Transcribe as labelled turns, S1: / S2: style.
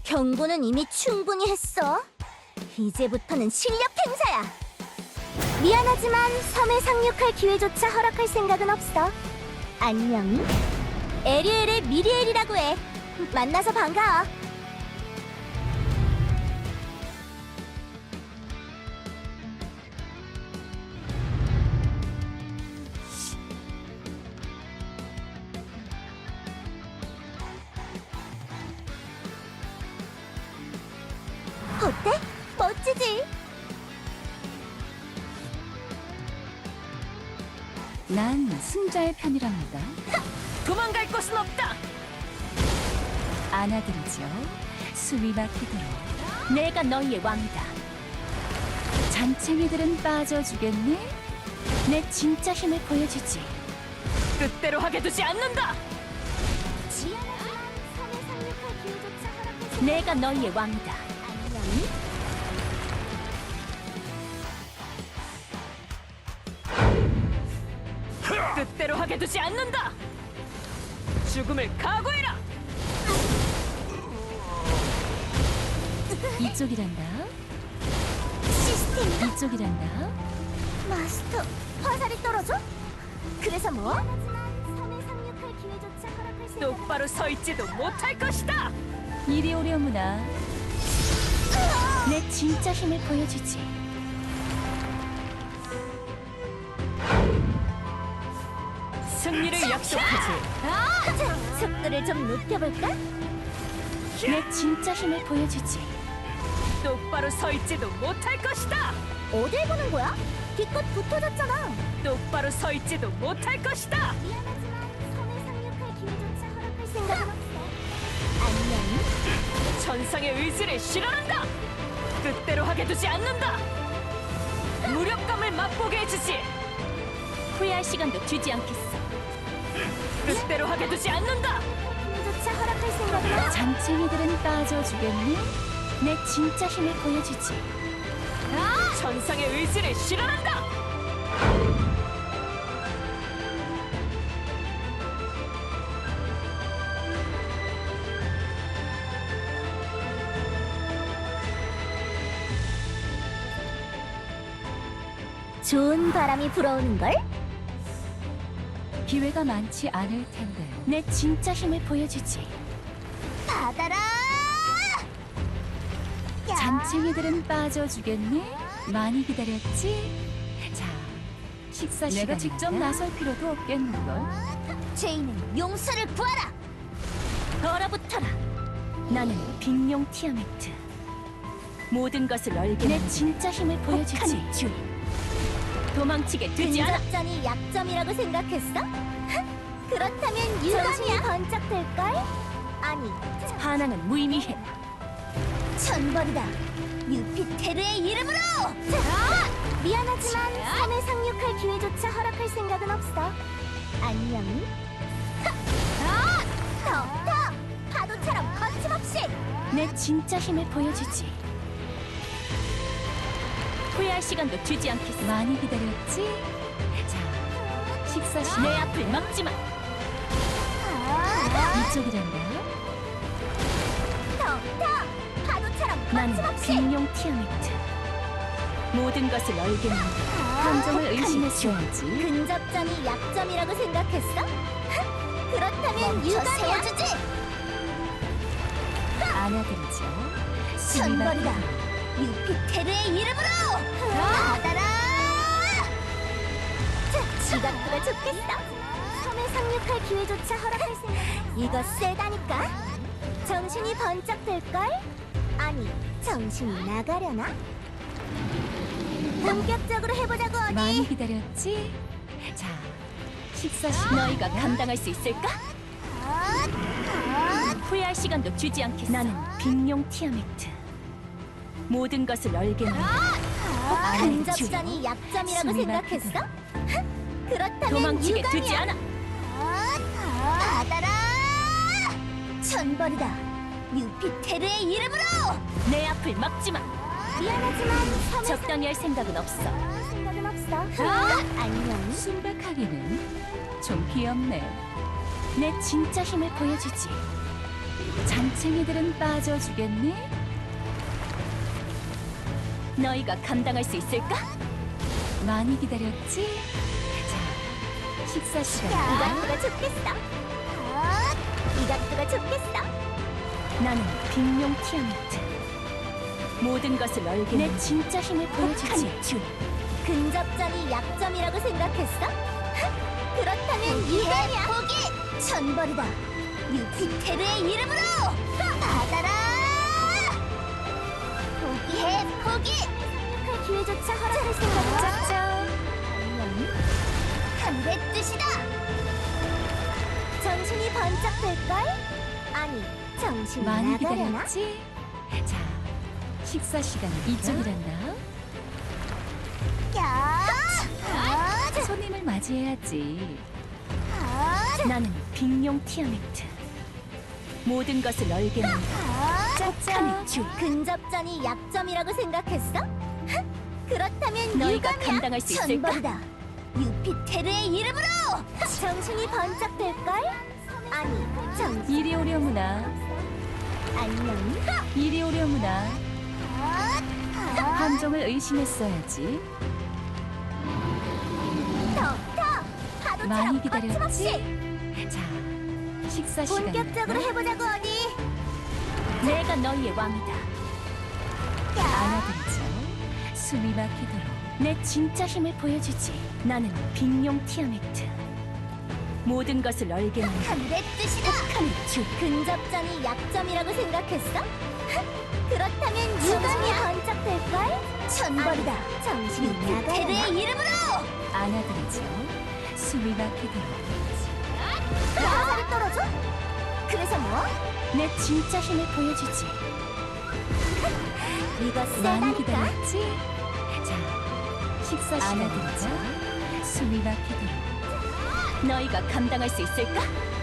S1: 경고는 이미 충분히 했어. 이제부터는 실력 행사야. 미안하지만 섬에 상륙할 기회조차 허락할 생각은 없어. 안녕. 에리엘의 미리엘이라고 해. 만나서 반가워. 어때? 멋지지?
S2: 난 승자의 편이랍니다.
S3: 도망갈 곳은 없다.
S2: 안아드리죠. 숨이 막히도록.
S3: 내가 너희의 왕이다.
S2: 잔챙이들은 빠져주겠네. 내 진짜 힘을 보여주지.
S3: 뜻대로 하게 두지 않는다.
S1: 미안하지만 섬에 상륙할 기회조차 허락할 생각.
S3: 내가 너희의 왕이다.
S1: 안녕.
S3: 뜻대로 하게 두지 않는다. 죽음을 각오해라.
S2: 이쪽이란다.
S1: 시스템
S2: 이쪽이란다.
S1: 마스터, 화살이 떨어져? 그래서 뭐? 미안하지만 섬에 상륙할 기회조차 허락할 생각.
S3: 똑바로 서 있지도 못할 것이다.
S2: 이리 오려무나. 내 진짜 힘을 보여주지.
S3: 승리를 약속하지.
S1: 속도를 좀 높여볼까?
S2: 내 진짜 힘을 보여주지.
S3: 똑바로 서 있지도 못할 것이다.
S1: 어딜 보는 거야? 기껏 붙어졌잖아.
S3: 똑바로 서 있지도 못할 것이다.
S1: 미안하지만 섬에 상륙할 기회조차 허락할 생각은 없어. 안녕.
S3: 천상의 의지를 실현한다. 뜻대로 하게 두지 않는다. 무력감을 맛보게 해주지. 후회할 시간도 주지 않겠어. 뜻대로 하게 두지 않는다.
S1: 기회조차 허락할 생각은 없어.
S2: 잔챙이들은 빠져주겠네. 내 진짜 힘을 보여주지.
S3: 천상의 의지를 실현한다.
S1: 좋은 바람이 불어오는걸?
S2: 기회가 많지 않을 텐데. 내 진짜 힘을 보여주지.
S1: 받아라! 야!
S2: 잔챙이들은 빠져주겠네. 많이 기다렸지? 자, 식사 시간. 내가 직접 나설 필요도 없겠는걸.
S1: 죄인은 용서를 구하라!
S3: 얼어붙어라. 나는 빅룡 티아메트. 모든 것을 얼게
S2: 내
S3: 만든
S2: 진짜 힘을 보여주지.
S3: 혹한 주인. 도망치게 두지 않아.
S1: 근접전이 약점이라고 생각했어? 그렇다면 유감이 번쩍 될걸? 아니,
S3: 반항은 무의미해.
S1: 천벌이다. 유피테르의 이름으로! 자, 미안하지만 섬에 상륙할 기회조차 허락할 생각은 없어. 안녕. 더! 파도처럼 거침없이!
S2: 내 진짜 힘을 보여주지.
S3: 후회할 시간도 주지 않겠어.
S2: 많이 기다렸지? 자, 식사 시간.
S3: 내 앞을 막지 마.
S2: 이쪽이란다.
S1: 더! 파도처럼
S3: 나는
S1: 거침없이!
S3: 빅룡 티아메트. 모든 것을 얼게 만든
S2: 감정을
S3: 혹한
S2: 의심했어야지.
S1: 근접전이 약점이라고 생각했어? 그렇다면 유감이야. 주지.
S2: 안아드리죠.
S1: 천벌이다. 유피테르의 이름으로 받아라. 지각부가 좋겠어. 섬에 상륙할 기회조차 허락할 생각. 이거 세다니까. 정신이 번쩍 될걸? 아니, 정신이 나가려나? 본격적으로 해보자고 어디.
S2: 많이 기다렸지? 자, 식사 시간.
S3: 너희가 감당할 수 있을까? 후회할 시간도 주지 않겠어. 나는 빅룡 티아메트. 모든 것을 얼게 만든 혹한 주인.
S1: 근접전이 약점이라고
S2: 숨이
S1: 생각했어? 그렇다면
S3: 도망치게 두지
S1: 유감이야.
S3: 않아.
S1: 받아라! 천벌이다. 유피테르의 이름으로!
S3: 내 앞을 막지 마.
S1: 미안하지만 섬에
S3: 적당히 할 생각은 없어.
S1: 생각은 없어. 안녕.
S2: 순백하기는 좀 귀엽네. 내 진짜 힘을 보여주지. 잔챙이들은 빠져주겠네.
S3: 너희가 감당할 수 있을까?
S2: 많이 기다렸지? 자, 식사 시간.
S1: 이것도가 좋겠어. 이것도가 좋겠어.
S3: 나는 빅룡 티아메트. 모든 것을 얼게 내 진짜 힘을 보여주지. 준.
S1: 근접전이 약점이라고 생각했어? 그렇다면 이거야. 포기! 천벌이다. 유피테르의 이름으로 받아라! 포기해, 포기! 할 기회조차 허락할 생각은
S2: 짝짝.
S1: 하늘의 뜻이다! 정신이 번쩍 될걸? 아니, 정신이
S2: 많이
S1: 나가려나?
S2: 기다렸지? 자, 식사 시간 이쪽이란다.
S1: 야!
S2: 손님을 맞이해야지.
S3: 나는 빅룡 티아메트. 모든 것을 얼게 만다.
S2: 짝짝.
S3: 준.
S1: 근접전이 약점이라고 생각했어? 그렇다면
S3: 너희가
S1: 이거냐?
S3: 감당할 수 있을까?
S1: 천벌이다. 유피테르의 이름으로! 정신이 번쩍 될걸? 아니, 정신
S2: 이리 오려무나.
S1: 안녕.
S2: 이리 오려무나. 함정을 의심했어야지.
S1: 더! 파도처럼
S2: 많이
S1: 거침없이!
S2: 기다렸지? 자, 식사 시간.
S1: 본격적으로 해보자고 어디?
S3: 내가 너희의 왕이다.
S2: 안아드리죠. 숨이 막히도록.
S3: 내 진짜 힘을 보여주지. 나는 빅룡 티아메트. 모든 것을 얼게 만다.
S1: 하늘의 뜻이다!
S3: 준.
S1: 근접전이 약점이라고 생각했어? 그렇다면 정신이 번쩍 될걸? 천벌이다. 정신이 유피테르의 이름으로!
S2: 안아드리죠. 숨이 막히도록.
S1: 화살이 떨어져? 그래서 뭐?
S3: 내 진짜 힘을 보여주지.
S1: 이거
S2: 많이
S1: 세다니까?
S2: 기다렸지? 자, 식사 시간.
S3: 안아드리죠.
S2: 숨이 막히도록.
S3: 너희가 감당할 수 있을까?